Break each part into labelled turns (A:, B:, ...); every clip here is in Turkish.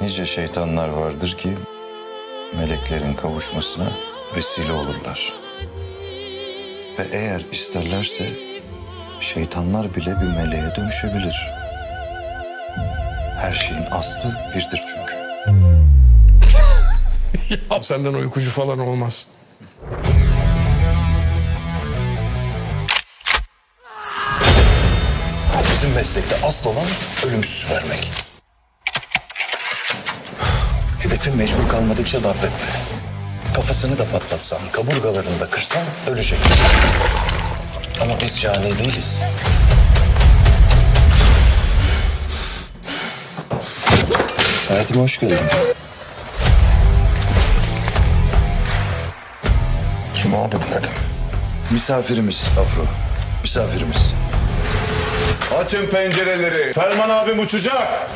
A: Nice şeytanlar vardır ki meleklerin kavuşmasına vesile olurlar. Ve eğer isterlerse şeytanlar bile bir meleğe dönüşebilir. Her şeyin aslı birdir çünkü.
B: Ya senden uykucu falan olmaz.
A: Bizim meslekte asıl olan ölümsüz vermek. Hedefin mecbur kalmadıkça darp etme. Kafasını da patlatsan, kaburgalarını da kırsan ölecek. Ama biz cani değiliz. Hayatıma hoş geldin. Kim abi bu kadın? Misafirimiz Afro. Misafirimiz.
C: Açın pencereleri. Ferman abim uçacak.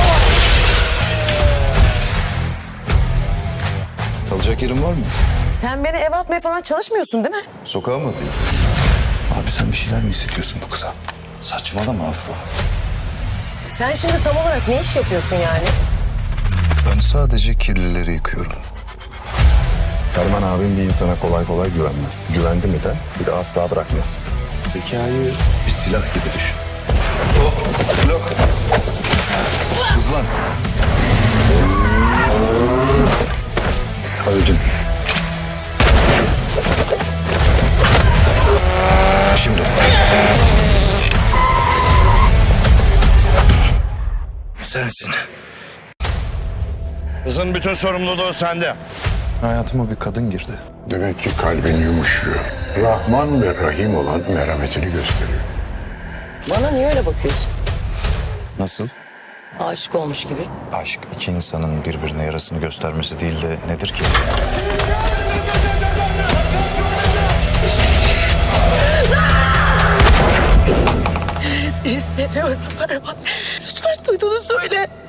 A: Kalacak yerin var mı?
D: Sen beni eve atmaya falan çalışmıyorsun değil mi?
A: Sokağa mı atayım? Abi sen bir şeyler mi hissediyorsun bu kıza? Saçmalama Afro.
D: Sen şimdi tam olarak ne iş yapıyorsun yani?
A: Ben sadece kirlileri yıkıyorum.
E: Ferman abim bir insana kolay kolay güvenmez. Güvendi mi de bir de asla bırakmaz.
A: Zekayı bir silah gibi düşün. Sol, blok. Hızlan. Öldün. Şimdi. Sensin.
C: Kızın bütün sorumluluğu sende.
A: Hayatıma bir kadın girdi.
E: Demek ki kalbin yumuşuyor. Rahman ve Rahim olan merhametini gösteriyor.
D: Bana niye öyle bakıyorsun?
A: Nasıl?
D: Aşık olmuş gibi.
A: Aşk iki insanın birbirine yarasını göstermesi değil de nedir ki?
D: İstemiyorum Ferman. Lütfen duyduğunu söyle.